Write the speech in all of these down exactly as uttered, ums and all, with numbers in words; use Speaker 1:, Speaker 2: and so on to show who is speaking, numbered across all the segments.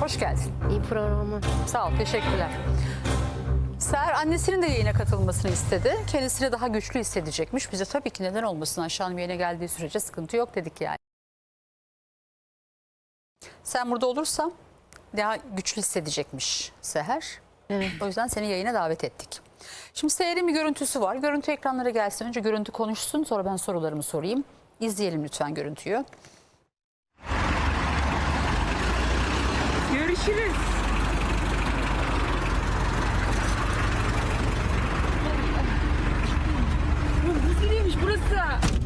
Speaker 1: Hoş geldin.
Speaker 2: İyi programı.
Speaker 1: Sağ ol, teşekkürler. Seher annesinin de yayına katılmasını istedi. Kendisini daha güçlü hissedecekmiş. Bize tabii ki neden olmasın, Ayşe Hanım yayına geldiği sürece sıkıntı yok dedik yani. Sen burada olursan daha güçlü hissedecekmiş Seher.
Speaker 2: Evet.
Speaker 1: O yüzden seni yayına davet ettik. Şimdi Seher'in bir görüntüsü var. Görüntü ekranlara gelsin. Önce görüntü konuşsun, sonra ben sorularımı sorayım. İzleyelim lütfen görüntüyü.
Speaker 3: Görüşürüz. Buz gibiymiş burası.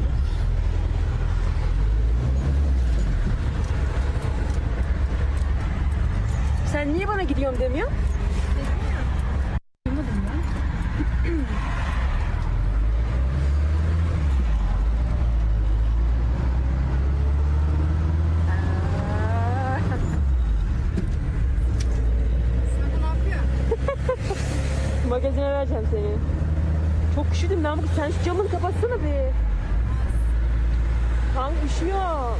Speaker 3: Sen niye bana gidiyorum demiyorsun? Duymadım ben. Magazine vereceğim seni. Çok üşüdüm lan. Sen şu camını kapatsana be. Tam üşüyor.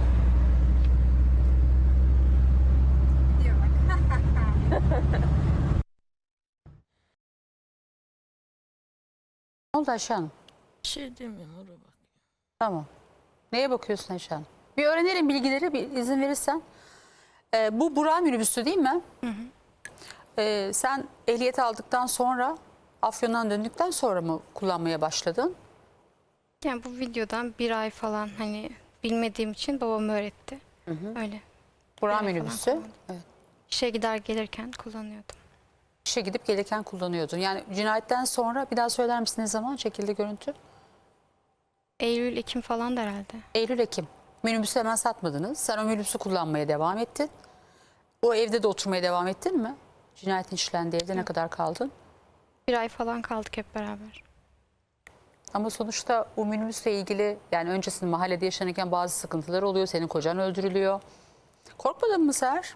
Speaker 1: Ne oldu Ayşe Hanım?
Speaker 4: Bir şey demiyorum oraya bak.
Speaker 1: Tamam. Neye bakıyorsun Ayşe Hanım? Bir öğrenelim bilgileri, bir izin verirsen. Ee, bu Burak minibüsü değil mi? Hı hı. Ee, sen ehliyet aldıktan sonra, Afyon'dan döndükten sonra mı kullanmaya başladın?
Speaker 5: Yani bu videodan bir ay falan hani bilmediğim için babam öğretti.
Speaker 1: Hı hı.
Speaker 5: Öyle.
Speaker 1: Burak
Speaker 5: Bir ay falan
Speaker 1: minibüsü.
Speaker 5: kullandım.
Speaker 1: Evet.
Speaker 5: İşe gider gelirken kullanıyordum.
Speaker 1: İşe gidip gelirken kullanıyordun. Yani cinayetten sonra bir daha söyler misin ne zaman çekildi görüntü?
Speaker 5: Eylül, Ekim falan da herhalde.
Speaker 1: Eylül, Ekim. Minibüsü hemen satmadınız. Sen o minibüsü kullanmaya devam ettin. O evde de oturmaya devam ettin mi? Cinayetin işlendiği evde ne kadar kaldın?
Speaker 5: Bir ay falan kaldık hep beraber.
Speaker 1: Ama sonuçta o minibüsle ilgili yani öncesinde mahallede yaşanırken bazı sıkıntılar oluyor. Senin kocan öldürülüyor. Korkmadın mı Seher?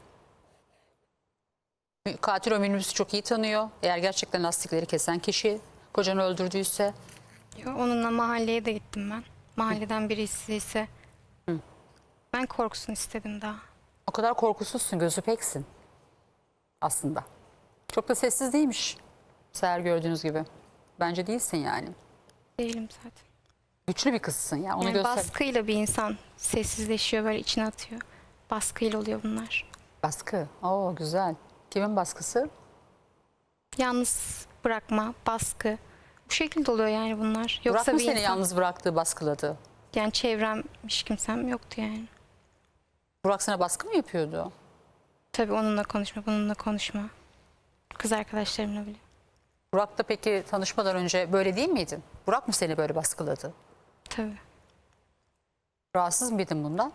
Speaker 1: Katil o minibüsü çok iyi tanıyor. Eğer gerçekten lastikleri kesen kişi kocanı öldürdüyse.
Speaker 5: Yo, onunla mahalleye de gittim ben. Mahalleden birisi ise
Speaker 1: Hı.
Speaker 5: ben korksun istedim daha.
Speaker 1: O kadar korkusuzsun, gözü peksin aslında. Çok da sessiz değilmiş Seher, gördüğünüz gibi. Bence değilsin yani.
Speaker 5: Değilim zaten.
Speaker 1: Güçlü bir kızsın ya. Onu
Speaker 5: Yani
Speaker 1: göster.
Speaker 5: baskıyla bir insan sessizleşiyor, böyle içine atıyor. Baskıyla oluyor bunlar.
Speaker 1: Baskı. Oo güzel. Kimin baskısı?
Speaker 5: Yalnız bırakma, baskı. Bu şekilde oluyor yani bunlar. Yoksa
Speaker 1: Burak mı
Speaker 5: bir
Speaker 1: seni
Speaker 5: insan,
Speaker 1: yalnız bıraktı, baskıladı?
Speaker 5: yani çevrem hiç kimsem yoktu yani.
Speaker 1: Burak sana baskı mı yapıyordu?
Speaker 5: Tabii onunla konuşma, bununla konuşma. Kız arkadaşlarımla bile.
Speaker 1: Burak'la peki tanışmadan önce böyle değil miydin? Burak mı seni böyle baskıladı?
Speaker 5: Tabii.
Speaker 1: Rahatsız mıydın bundan?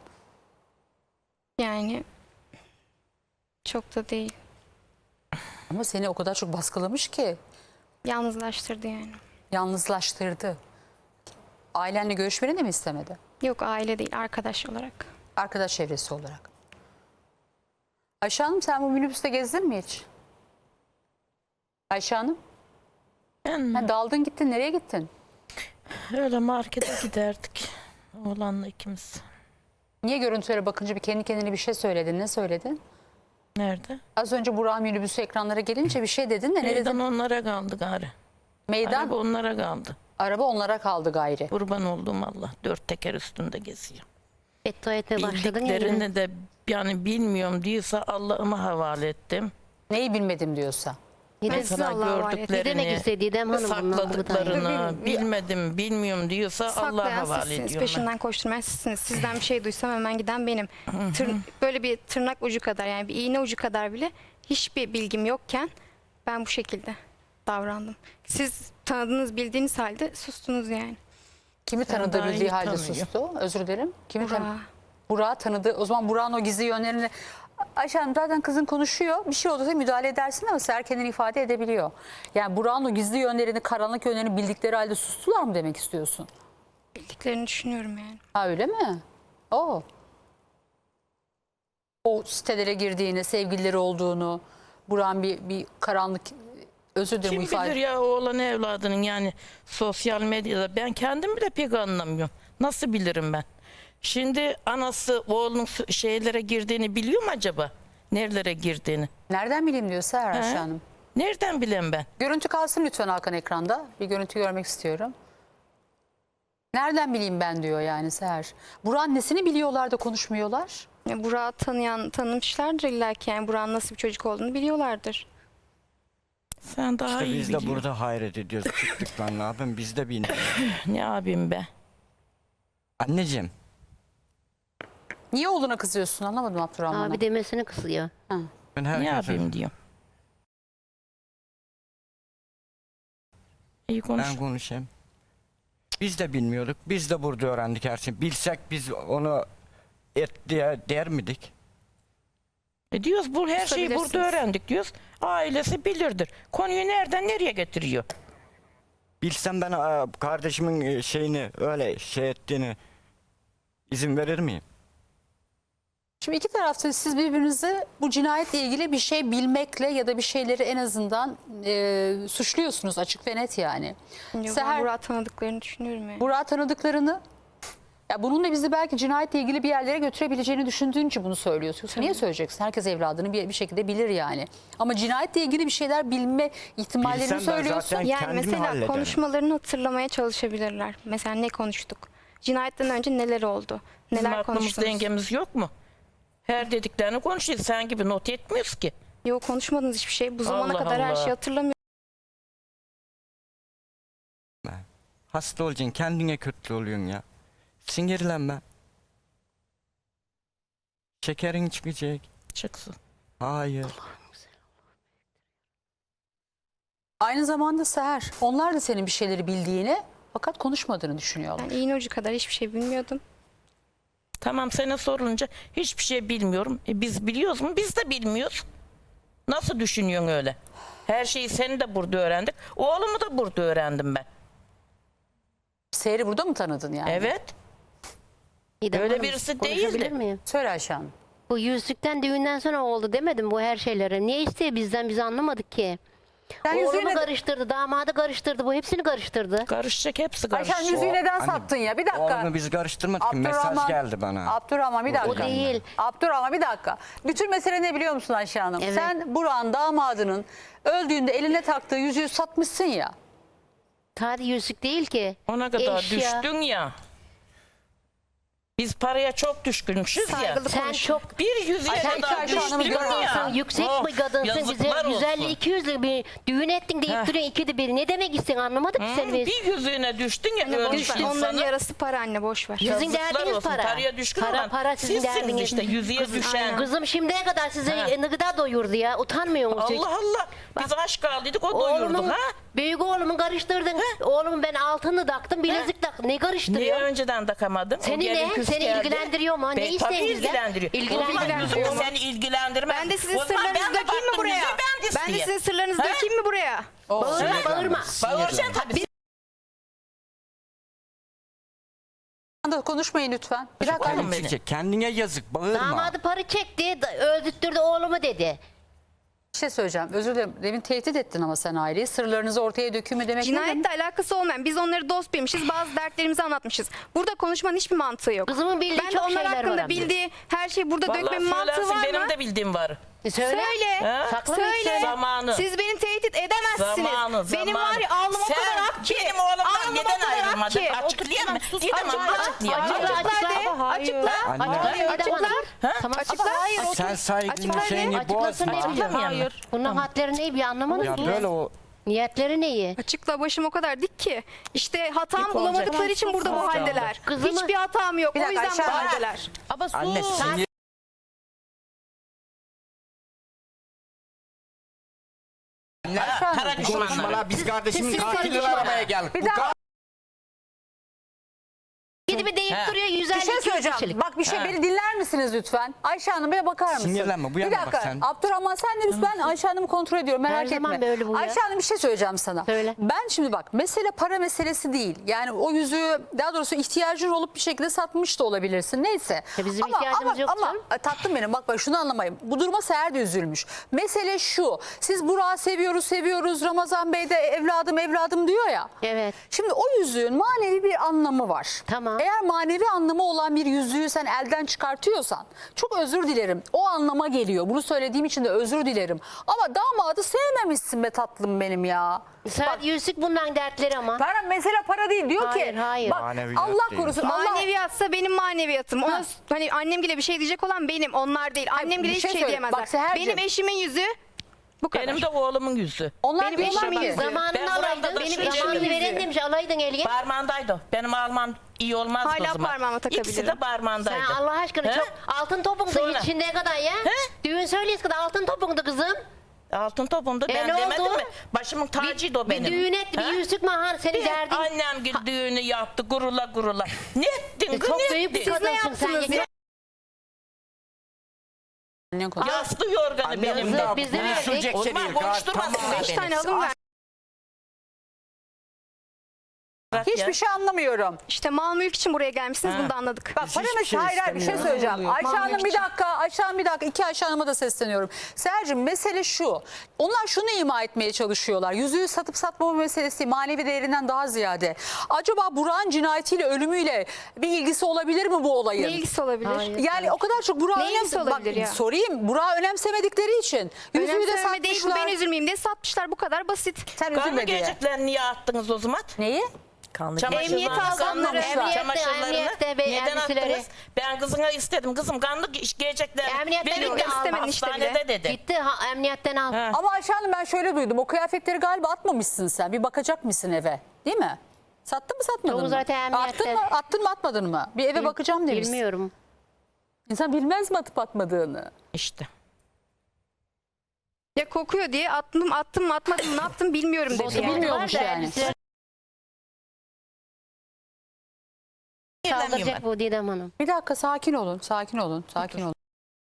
Speaker 5: Yani çok da değil.
Speaker 1: Ama seni o kadar çok baskılamış ki
Speaker 5: Yalnızlaştırdı yani.
Speaker 1: yalnızlaştırdı. Ailenle görüşmeni de mi istemedi?
Speaker 5: Yok, aile değil, arkadaş olarak.
Speaker 1: Arkadaş çevresi olarak. Ayşe Hanım, sen bu minibüste gezdin mi hiç? Ayşe Hanım,
Speaker 4: Ben
Speaker 1: ha, daldın gittin, nereye gittin?
Speaker 4: öyle markete giderdik. Oğlanla ikimiz.
Speaker 1: Niye görüntülere bakınca bir kendi kendine bir şey söyledin? Ne söyledin?
Speaker 4: Nerede?
Speaker 1: Az önce Burak'ın minibüsü ekranlara gelince bir şey dedin de ne
Speaker 4: Meydan
Speaker 1: dedin?
Speaker 4: onlara kaldı gari.
Speaker 1: Meydan,
Speaker 4: Araba onlara kaldı.
Speaker 1: araba onlara kaldı gayri.
Speaker 4: Kurban olduğum Allah. Dört teker üstünde geziyor.
Speaker 2: Beddua etmeye başladın ya. yine.
Speaker 4: Bildiklerini de yani bilmiyorum diyorsa Allah'ıma havale ettim.
Speaker 1: Neyi bilmedim diyorsa.
Speaker 2: Yine
Speaker 5: Ben size Allah'a havale ettim.
Speaker 2: Ne demek istedi Didem Hanım bundan bu da?
Speaker 4: sakladıklarını bilmedim bilmiyorum diyorsa Allah'a
Speaker 5: Saklayan
Speaker 4: havale
Speaker 5: sizsiniz,
Speaker 4: ediyorum.
Speaker 5: peşinden koşturmayan sizsiniz. Sizden bir şey duysam hemen giden benim. Tır- böyle bir tırnak ucu kadar, yani bir iğne ucu kadar bile hiçbir bilgim yokken ben bu şekilde davrandım. Siz tanıdığınız, bildiğiniz halde sustunuz yani.
Speaker 1: Kimi
Speaker 4: Sen
Speaker 1: tanıdığı
Speaker 4: daha
Speaker 1: bildiği
Speaker 4: iyi
Speaker 1: halde
Speaker 4: tanıyor.
Speaker 1: sustu? Özür dilerim. Kimi tanı-
Speaker 5: Burak'ı.
Speaker 1: Burak'ı tanıdı. O zaman Burak'ın o gizli yönlerini... Ayşe Hanım, zaten kızın konuşuyor. Bir şey olursa müdahale edersin ama Seher kendini ifade edebiliyor. Yani Burak'ın o gizli yönlerini, karanlık yönlerini bildikleri halde sustular mı demek istiyorsun?
Speaker 5: Bildiklerini düşünüyorum yani.
Speaker 1: Ha öyle mi? Oo. O sitelere girdiğini, sevgilileri olduğunu, Burak'ın bir, bir karanlık... Özür dilerim
Speaker 4: Kim
Speaker 1: bu ifade...
Speaker 4: bilir ya oğlan evladının yani sosyal medyada ben kendim bile pek anlamıyorum. Nasıl bilirim ben? Şimdi anası oğlunun şeylere girdiğini biliyor mu acaba? Nerelere girdiğini.
Speaker 1: Nereden bileyim diyor Seher
Speaker 4: He?
Speaker 1: Ayşe Hanım.
Speaker 4: Nereden bileyim ben?
Speaker 1: Görüntü kalsın lütfen Hakan ekranda. Bir görüntü görmek istiyorum. Nereden bileyim ben diyor yani Seher. Burak'ın nesini biliyorlar da konuşmuyorlar?
Speaker 5: Ya Burak'ı tanıyan, tanımışlardır illa ki. Yani Burak'ın nasıl bir çocuk olduğunu biliyorlardır.
Speaker 4: Sen daha
Speaker 6: İşte
Speaker 4: iyi
Speaker 6: biz de
Speaker 4: biliyorsun.
Speaker 6: burada hayret ediyoruz. Çıktık lan ne yapayım biz de bilmiyoruz.
Speaker 4: Ne yapayım be?
Speaker 6: Anneciğim
Speaker 1: Niye oğluna kızıyorsun anlamadım Abdurrahman'a.
Speaker 2: Abi demesini kısıyor.
Speaker 1: Ha.
Speaker 6: ben
Speaker 4: Ne
Speaker 6: herkese...
Speaker 4: yapayım diyorum. İyi konuş.
Speaker 6: Ben konuşayım. Biz de bilmiyorduk. Biz de burada öğrendik her şeyi. Bilsek biz onu et diye der miydik?
Speaker 4: E diyoruz bu her şeyi burada
Speaker 5: Susabilirsiniz.
Speaker 4: öğrendik diyoruz. Ailesi bilirdir. Konuyu nereden nereye getiriyor?
Speaker 6: Bilsem ben aa, kardeşimin e, şeyini öyle şey ettiğini izin verir miyim?
Speaker 1: Şimdi iki tarafta siz birbirinizi bu cinayetle ilgili bir şey bilmekle ya da bir şeyleri en azından e, suçluyorsunuz açık ve net yani.
Speaker 5: Yok,
Speaker 1: Seher-
Speaker 5: ben Burak'ı tanıdıklarını düşünüyorum yani.
Speaker 1: Burak'ı tanıdıklarını ya bununla bizi belki cinayetle ilgili bir yerlere götürebileceğini düşündüğün için bunu söylüyorsun. Yoksa niye söyleyeceksin? Herkes evladını bir, bir şekilde bilir yani. Ama cinayetle ilgili bir şeyler bilme ihtimallerini
Speaker 6: Bilsem ben
Speaker 1: söylüyorsun.
Speaker 6: zaten
Speaker 5: Yani
Speaker 6: kendimi
Speaker 5: mesela
Speaker 6: hallederim.
Speaker 5: konuşmalarını hatırlamaya çalışabilirler. Mesela ne konuştuk? Cinayetten önce neler oldu?
Speaker 4: Bizim
Speaker 5: Neler
Speaker 4: aklımızda
Speaker 5: konuştunuz?
Speaker 4: dengemiz yok mu? Her dediklerini konuşuyoruz. Sen gibi not etmiyoruz ki.
Speaker 5: Yok, konuşmadınız hiçbir şey. Bu zamana
Speaker 4: Allah
Speaker 5: kadar her
Speaker 4: Allah.
Speaker 5: şeyi hatırlamıyorum.
Speaker 6: Hasta olacaksın kendine kötü oluyorsun ya. Sinirlenme. Şekerin çıkacak.
Speaker 4: Çıksın.
Speaker 6: Hayır.
Speaker 1: Aynı zamanda Seher onlar da senin bir şeyleri bildiğini fakat konuşmadığını düşünüyorlar.
Speaker 5: Ben iğne ucu kadar hiçbir şey bilmiyordum.
Speaker 4: Tamam sana sorulunca hiçbir şey bilmiyorum. E biz biliyoruz mu? Biz de bilmiyoruz. Nasıl düşünüyorsun öyle? Her şeyi seni de burada öğrendik. Oğlumu da burada öğrendim ben.
Speaker 1: Seher'i burada mı tanıdın yani?
Speaker 4: Evet.
Speaker 2: İdem
Speaker 4: Öyle
Speaker 2: Hanım,
Speaker 4: birisi
Speaker 2: konuşabilir
Speaker 4: değildi.
Speaker 2: miyim?
Speaker 1: Söyle Ayşe Hanım.
Speaker 2: Bu yüzükten düğünden sonra oldu demedim bu her şeylere. Niye istiyor bizden, biz anlamadık ki.
Speaker 1: Sen
Speaker 2: Oğlumu
Speaker 1: yüzüğü, ne-
Speaker 2: karıştırdı, damadı karıştırdı, bu hepsini karıştırdı.
Speaker 4: Karışacak hepsi
Speaker 1: Ayşe Hanım
Speaker 4: karışacak.
Speaker 1: yüzüğü neden
Speaker 6: Anne,
Speaker 1: sattın ya? Bir dakika.
Speaker 6: Oğlunu biz karıştırmadık ki. Mesaj geldi bana.
Speaker 1: Abdurrahman bir dakika.
Speaker 2: O değil.
Speaker 1: Abdurrahman bir dakika. Bütün mesele ne biliyor musun Ayşe Hanım?
Speaker 2: Evet.
Speaker 1: Sen Burak'ın damadının öldüğünde eline taktığı yüzüğü satmışsın ya.
Speaker 2: Sadece yüzük değil ki.
Speaker 4: Ona kadar
Speaker 2: Eşya.
Speaker 4: düştün ya. Biz paraya çok düşkünmüşüz ya.
Speaker 5: Saygılı
Speaker 2: Sen
Speaker 5: konuş.
Speaker 2: çok
Speaker 4: Bir yüzüğe
Speaker 1: Ay, sen
Speaker 4: kadar
Speaker 1: Ayşe Hanım'ı
Speaker 4: düştün
Speaker 1: görüyor
Speaker 4: ya.
Speaker 2: Sen yüksek
Speaker 4: Oh,
Speaker 2: bir kadınsın, bize
Speaker 4: yazıklar
Speaker 2: yüz elli
Speaker 4: olsun.
Speaker 2: iki yüzlük bir düğün ettin deyip
Speaker 4: Heh.
Speaker 2: duruyorsun ikide bir. Ne demek istiyorsun anlamadık ki
Speaker 4: Hı,
Speaker 2: seni biz.
Speaker 4: bir yüzüğüne düştün ya
Speaker 5: Anne, boş
Speaker 4: ölmüş
Speaker 5: ver. Onların
Speaker 4: insanı.
Speaker 5: yarası para anne, boş ver.
Speaker 2: Yüzün
Speaker 4: Yazıklar
Speaker 2: derdiniz
Speaker 4: olsun.
Speaker 2: para.
Speaker 4: Paraya düşkün
Speaker 2: Para
Speaker 4: olan
Speaker 2: para sizin
Speaker 4: sizsiniz
Speaker 2: derdiniz.
Speaker 4: işte yüzüğe düşen.
Speaker 2: Kızım şimdiye kadar size
Speaker 4: Ha.
Speaker 2: gıda doyurdu ya. Utanmıyor musun?
Speaker 4: Allah Allah. Biz aşk aldıydık o doyurduk
Speaker 2: Oğlumun,
Speaker 4: ha.
Speaker 2: büyük oğlumu karıştırdın. Oğlumun ben altını taktım, bilezik taktım. Ne
Speaker 4: Niye
Speaker 2: karıştırıyor?
Speaker 4: önceden takamadın? O
Speaker 2: Seni
Speaker 4: gelin
Speaker 2: ne?
Speaker 4: kız
Speaker 2: Seni
Speaker 4: geldi.
Speaker 2: ilgilendiriyor mu? Ne
Speaker 4: Be-
Speaker 2: isteyin
Speaker 4: Tabii
Speaker 2: bizden?
Speaker 4: ilgilendiriyor.
Speaker 2: İlgilendiriyor.
Speaker 4: O zaman yüzük seni ilgilendirmez.
Speaker 5: Ben de sizin
Speaker 4: O zaman
Speaker 5: sırlarınızı
Speaker 4: ben de
Speaker 5: dökeyim mi
Speaker 4: baktım
Speaker 5: buraya?
Speaker 4: yüzüğü ben de
Speaker 5: Ben de
Speaker 4: isteyeyim.
Speaker 5: sizin sırlarınızı
Speaker 4: Ha?
Speaker 5: dökeyim mi buraya?
Speaker 2: Bağırma bağırma.
Speaker 4: Bağıracaksın tabii.
Speaker 1: Konuşmayın lütfen. Bir dakika.
Speaker 4: Oğlum
Speaker 6: Kendine
Speaker 4: beni.
Speaker 6: çıkacak. Kendine yazık. Bağırma.
Speaker 2: Damadı para çekti, da- öldürttürdü oğlumu dedi.
Speaker 1: Bir şey söyleyeceğim. Özür dilerim. Demin tehdit ettin ama sen aileyi. Sırlarınızı ortaya dökümü demek ne demek?
Speaker 5: Cinayetle alakası olmayan, biz onları dost bilmişiz, bazı dertlerimizi anlatmışız. Burada konuşmanın hiçbir mantığı yok.
Speaker 2: Kızımın bildiği
Speaker 5: Ben de
Speaker 2: çok
Speaker 5: onlar
Speaker 2: şeyler var
Speaker 5: hakkında
Speaker 2: ama.
Speaker 5: bildiği her şeyi burada
Speaker 4: Vallahi
Speaker 5: dökmemin mantığı
Speaker 4: söylersin
Speaker 5: var
Speaker 4: benim
Speaker 5: mı?
Speaker 4: de bildiğim var.
Speaker 2: E söyle.
Speaker 5: Söyle.
Speaker 4: Ha?
Speaker 2: Saklı mı
Speaker 5: Söyle.
Speaker 2: söyle?
Speaker 4: Zamanı.
Speaker 5: Siz beni tehdit edemezsiniz.
Speaker 4: Zamanı,
Speaker 5: Benim
Speaker 4: zamanı.
Speaker 5: var ya alnım o
Speaker 4: Sen
Speaker 5: kadar ak ki.
Speaker 4: benim oğlumdan
Speaker 5: Alnım o
Speaker 4: neden
Speaker 5: kadar ak
Speaker 4: ayrılmadın?
Speaker 5: ki.
Speaker 4: Açıklayayım mı?
Speaker 2: Sus,
Speaker 4: Gidemem
Speaker 2: açıkla.
Speaker 4: açıklayayım.
Speaker 2: Açıkla.
Speaker 5: Açıkla de. Açıkla.
Speaker 6: Anne.
Speaker 2: Açıkla.
Speaker 5: Açıkla.
Speaker 2: Açıkla. Tamam.
Speaker 5: Açıkla. Hayır. otur.
Speaker 6: Sen saygının
Speaker 5: Açıkla de.
Speaker 6: şeyini
Speaker 2: Açıklasın
Speaker 6: bozma.
Speaker 2: ne biliyorum.
Speaker 4: Hayır.
Speaker 2: Bunun hatları ne bir anlamadım
Speaker 6: Ya
Speaker 2: ki.
Speaker 6: böyle o
Speaker 2: Niyetleri neyi?
Speaker 5: Açıkla, başım o kadar dik ki. İşte hatam
Speaker 4: Dik
Speaker 5: bulamadıkları
Speaker 4: olacak.
Speaker 5: için burada bu
Speaker 4: Sus.
Speaker 5: haldeler.
Speaker 2: Kızımı-
Speaker 5: Hiçbir hatam yok.
Speaker 1: Bir
Speaker 5: O
Speaker 1: dakika,
Speaker 5: yüzden bu
Speaker 1: Ayşe-
Speaker 5: haldeler.
Speaker 4: Ama sus.
Speaker 6: anne sinir.
Speaker 4: Kara düşmanlar.
Speaker 6: Konuşmalar biz kardeşimin
Speaker 2: siz- siz-
Speaker 6: katilini
Speaker 2: siz-
Speaker 6: aramaya geldik.
Speaker 1: Bir
Speaker 6: Bu
Speaker 1: dakika.
Speaker 2: Gidip bir deyip
Speaker 4: He.
Speaker 2: duruyor yüz
Speaker 1: Bir
Speaker 2: elli
Speaker 1: şey
Speaker 2: iki yüz
Speaker 1: söyleyeceğim.
Speaker 2: kişilik.
Speaker 1: Bak bir şey
Speaker 4: Ha.
Speaker 1: beni dinler misiniz lütfen? Ayşe Hanım bir bakar mısın?
Speaker 6: Sinirlenme, bu
Speaker 1: Bir
Speaker 6: yana bak
Speaker 1: dakika.
Speaker 6: sen.
Speaker 1: Abdurrahman sen de lütfen Ayşe Hanım'ı kontrol ediyorum merak
Speaker 2: Her
Speaker 1: etme.
Speaker 2: zaman böyle bu ya.
Speaker 1: Ayşe Hanım bir şey söyleyeceğim sana.
Speaker 2: Söyle.
Speaker 1: Ben şimdi bak mesele para meselesi değil. Yani o yüzüğü daha doğrusu ihtiyacın olup bir şekilde satmış da olabilirsin. Neyse.
Speaker 2: Ya bizim
Speaker 1: ama,
Speaker 2: ihtiyacımız
Speaker 1: ama,
Speaker 2: yok
Speaker 1: ama,
Speaker 2: canım.
Speaker 1: e, tatlım benim bak bak şunu anlamayın. Bu duruma Seher de üzülmüş. Mesele şu. Siz Burak'ı seviyoruz seviyoruz. Ramazan Bey de evladım evladım diyor ya.
Speaker 2: Evet.
Speaker 1: Şimdi o yüzüğün manevi bir anlamı var.
Speaker 2: Tamam.
Speaker 1: Eğer manevi anlamı olan bir yüzüğü sen elden çıkartıyorsan çok özür dilerim. O anlama geliyor. Bunu söylediğim için de özür dilerim. Ama damadı sevmemişsin be tatlım benim ya.
Speaker 2: Sadece yüzük bundan dertleri ama.
Speaker 1: Para mesela para değil diyor
Speaker 2: Hayır,
Speaker 1: ki.
Speaker 2: hayır.
Speaker 1: Bak,
Speaker 6: Maneviyat
Speaker 1: Allah
Speaker 6: değil.
Speaker 1: korusun. Allah
Speaker 5: Maneviyatsa benim maneviyatım. Ona
Speaker 1: Ha.
Speaker 5: hani annemgile bir şey diyecek olan benim, onlar değil. Annemgile
Speaker 1: bir
Speaker 5: hiçbir
Speaker 1: şey
Speaker 5: şey,
Speaker 1: söyle.
Speaker 5: diyemezler.
Speaker 1: Bak Seher'cim.
Speaker 5: Benim eşimin yüzüğü bu kadar.
Speaker 4: Benim de oğlumun yüzü.
Speaker 1: onlar
Speaker 5: Benim
Speaker 1: diyorlar
Speaker 5: eşimin
Speaker 1: ki-
Speaker 5: yüzüğü.
Speaker 4: Ben
Speaker 2: Zamanını
Speaker 4: burada
Speaker 2: alaydın.
Speaker 4: da
Speaker 2: Benim
Speaker 4: şöyle
Speaker 2: zamanını
Speaker 5: yüzüğü.
Speaker 2: veren demiş alaydın Elge.
Speaker 4: Parmağındaydı. Benim parmağım iyi olmaz
Speaker 5: Hala
Speaker 4: kızıma.
Speaker 5: parmağıma takabilirim.
Speaker 4: İkisi de parmağındaydı.
Speaker 2: Sen Allah aşkına
Speaker 4: He?
Speaker 2: çok altın topundu
Speaker 4: Sonra?
Speaker 2: hiç şimdiye kadar ya.
Speaker 4: He?
Speaker 2: Düğün söyleyiz kadar altın topundu kızım.
Speaker 4: Altın topumdu.
Speaker 2: E,
Speaker 4: Ben
Speaker 2: ne
Speaker 4: demedim
Speaker 2: oldu?
Speaker 4: mi? Başımın tacıydı o benim.
Speaker 2: Bir düğün etti, bir
Speaker 4: He?
Speaker 2: yüzük mahar senin
Speaker 4: Bir
Speaker 2: derdin.
Speaker 4: Annem gibi düğünü yaptı gurula gurula. Ne ettin
Speaker 2: E,
Speaker 4: kız,
Speaker 2: çok
Speaker 4: ne
Speaker 2: büyük bir
Speaker 4: ettin?
Speaker 2: kadınsın sen.
Speaker 5: yaptınız
Speaker 2: ya.
Speaker 5: ya?
Speaker 1: Annen konuş-
Speaker 4: Yaslı yorganı
Speaker 6: Annem
Speaker 4: benim de.
Speaker 2: Yazık, biz de
Speaker 6: bunu
Speaker 2: verdik.
Speaker 6: sürecek
Speaker 4: O
Speaker 6: şey
Speaker 4: zaman
Speaker 6: değil. Gayet
Speaker 4: konuşturmasın
Speaker 6: tamam.
Speaker 5: Beş
Speaker 4: beni.
Speaker 5: tane alım ver.
Speaker 4: Bırak
Speaker 1: Hiçbir
Speaker 4: ya.
Speaker 1: şey anlamıyorum.
Speaker 5: İşte mal mülk için buraya gelmişsiniz. Bunu da anladık.
Speaker 1: Bak
Speaker 6: Biz
Speaker 1: para
Speaker 6: hiçbir
Speaker 1: mesela
Speaker 6: şey
Speaker 1: hayır hayır bir şey
Speaker 6: istemiyoruz.
Speaker 1: söyleyeceğim. Ayşe
Speaker 5: Mahmut
Speaker 1: Hanım bir
Speaker 5: için.
Speaker 1: dakika, Ayşe Hanım bir dakika. İki Ayşe Hanım'a da sesleniyorum. Sercim mesele şu. Onlar şunu ima etmeye çalışıyorlar. Yüzüğü satıp satmama meselesi manevi değerinden daha ziyade. Acaba Burak'ın cinayetiyle, ölümüyle bir ilgisi olabilir mi bu olayın?
Speaker 5: Ne ilgisi olabilir?
Speaker 2: Hayır.
Speaker 1: Yani o kadar çok Burak'ı
Speaker 5: Ne ilgisi
Speaker 1: önemse...
Speaker 5: olabilir ya?
Speaker 1: Sorayım. Burak'ı önemsemedikleri için. Yüzüğü de
Speaker 5: Önemsememe değil, bu
Speaker 1: satmışlar.
Speaker 5: ben üzülmeyeyim diye satmışlar. Bu kadar basit.
Speaker 1: Sen
Speaker 4: Kanlı
Speaker 1: üzülme diye.
Speaker 4: geciklerini niye attınız o zaman?
Speaker 1: Neyi?
Speaker 4: Kanlı
Speaker 5: Emniyet algınları.
Speaker 2: Emniyette,
Speaker 4: Çamaşırlarını
Speaker 2: emniyette ve
Speaker 4: neden
Speaker 2: elbiseleri.
Speaker 4: attınız? Ben kızına istedim. Kızım kanlı giyecekler.
Speaker 2: Emniyetten
Speaker 4: Birlikte
Speaker 2: yok,
Speaker 5: istemedin işte
Speaker 4: hastanede
Speaker 5: bile.
Speaker 4: dedi.
Speaker 2: Gitti ha, emniyetten al.
Speaker 4: Ha.
Speaker 1: Ama Ayşe Hanım ben şöyle duydum. O kıyafetleri galiba atmamışsın sen. Bir bakacak mısın eve? Değil mi? Sattın mı satmadın
Speaker 2: Çoğu
Speaker 1: mı?
Speaker 2: zaten emniyette.
Speaker 1: Attın mı? Attın mı atmadın mı? Bir eve bakacağım demişsin.
Speaker 2: Bilmiyorum.
Speaker 1: İnsan bilmez mi atıp atmadığını?
Speaker 4: İşte.
Speaker 5: Ya kokuyor diye attım attım mı atmadım mı ne yaptım bilmiyorum dedi
Speaker 2: Bozu
Speaker 5: yani.
Speaker 1: bilmiyormuş
Speaker 2: var da
Speaker 1: yani.
Speaker 2: elbiseleri
Speaker 4: Bilmiyorum
Speaker 2: Saldıracak bu Didem Hanım.
Speaker 1: Bir dakika sakin olun. Sakin olun. Sakin olun.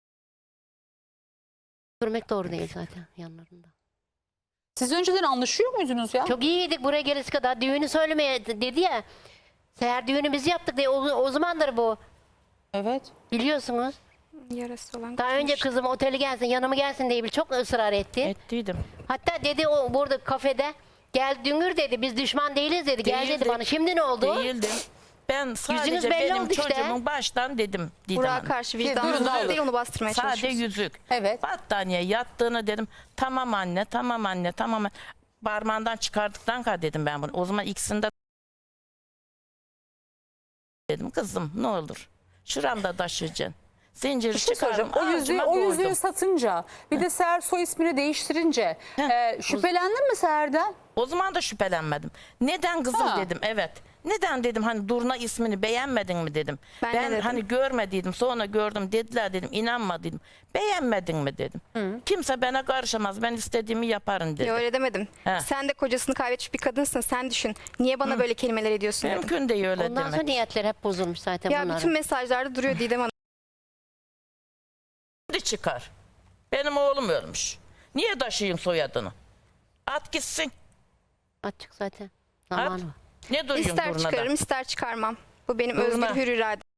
Speaker 2: Görmek doğru değil zaten yanlarında.
Speaker 1: Siz önceden anlaşıyor muydunuz ya?
Speaker 2: Çok iyiydik buraya gelesi kadar. Düğünü söylemeye dedi ya. Seher düğünümüzü yaptık diye o, o zamandır bu.
Speaker 1: Evet.
Speaker 2: Biliyorsunuz.
Speaker 5: Yarası olan
Speaker 2: Daha önce
Speaker 5: kızmış.
Speaker 2: kızım oteli gelsin yanıma gelsin diye bir çok ısrar etti.
Speaker 4: Ettiydim.
Speaker 2: Hatta dedi o burada kafede gel Düngür dedi biz düşman değiliz dedi. Gel dedi
Speaker 4: Değildim.
Speaker 2: bana. Şimdi ne oldu?
Speaker 4: Değildim. Ben sadece
Speaker 2: belli
Speaker 4: benim
Speaker 2: oldu işte.
Speaker 4: çocuğumun baştan dedim Didem
Speaker 5: Burak'a
Speaker 4: Hanım.
Speaker 5: karşı
Speaker 1: Durun,
Speaker 5: vicdanınız
Speaker 1: durun.
Speaker 5: değil onu bastırmaya
Speaker 4: Sadece
Speaker 5: çalışıyorsun.
Speaker 4: yüzük.
Speaker 1: Evet.
Speaker 4: Battaniye yattığını dedim. Tamam anne, tamam anne, tamam. anne. Parmağından çıkardıktan kadar dedim ben bunu. O zaman ikisinde dedim kızım ne olur. Şuramda taşıyacaksın. Zinciri
Speaker 1: Bir şey
Speaker 4: çıkardım.
Speaker 1: soracağım. O yüzüğü,
Speaker 4: ağzıma
Speaker 1: o yüzüğü
Speaker 4: koydum.
Speaker 1: satınca bir de Seher soy ismini değiştirince e, şüphelendin mi Seher'den?
Speaker 4: O zaman da şüphelenmedim. Neden kızım
Speaker 1: Ha.
Speaker 4: dedim. Evet. Neden dedim hani Durna ismini beğenmedin mi dedim.
Speaker 5: Ben de
Speaker 4: Ben,
Speaker 5: dedim.
Speaker 4: hani görmediydim sonra gördüm dediler dedim inanmadıydım. Beğenmedin mi dedim. Kimse bana karışamaz ben istediğimi yaparım dedim.
Speaker 5: Ya öyle demedim.
Speaker 4: He.
Speaker 5: Sen de kocasını kaybetmiş bir kadınsın. Sen düşün. Niye bana böyle kelimeler ediyorsun dedim.
Speaker 4: Mümkün değil öyle
Speaker 2: Ondan sonra
Speaker 4: demek.
Speaker 2: niyetler hep bozulmuş zaten
Speaker 5: Ya
Speaker 2: bunların.
Speaker 5: bütün mesajlarda duruyor Didem Hanım.
Speaker 4: Şimdi çıkar. Benim oğlum ölmüş. Niye taşıyayım soyadını? At gitsin.
Speaker 2: Açık zaten.
Speaker 4: At.
Speaker 2: Zamanı var.
Speaker 4: Ne duruyorsun
Speaker 5: İster
Speaker 4: Durna'da?
Speaker 5: çıkarırım ister çıkarmam. Bu benim
Speaker 4: Durna.
Speaker 5: özgür hür iradem.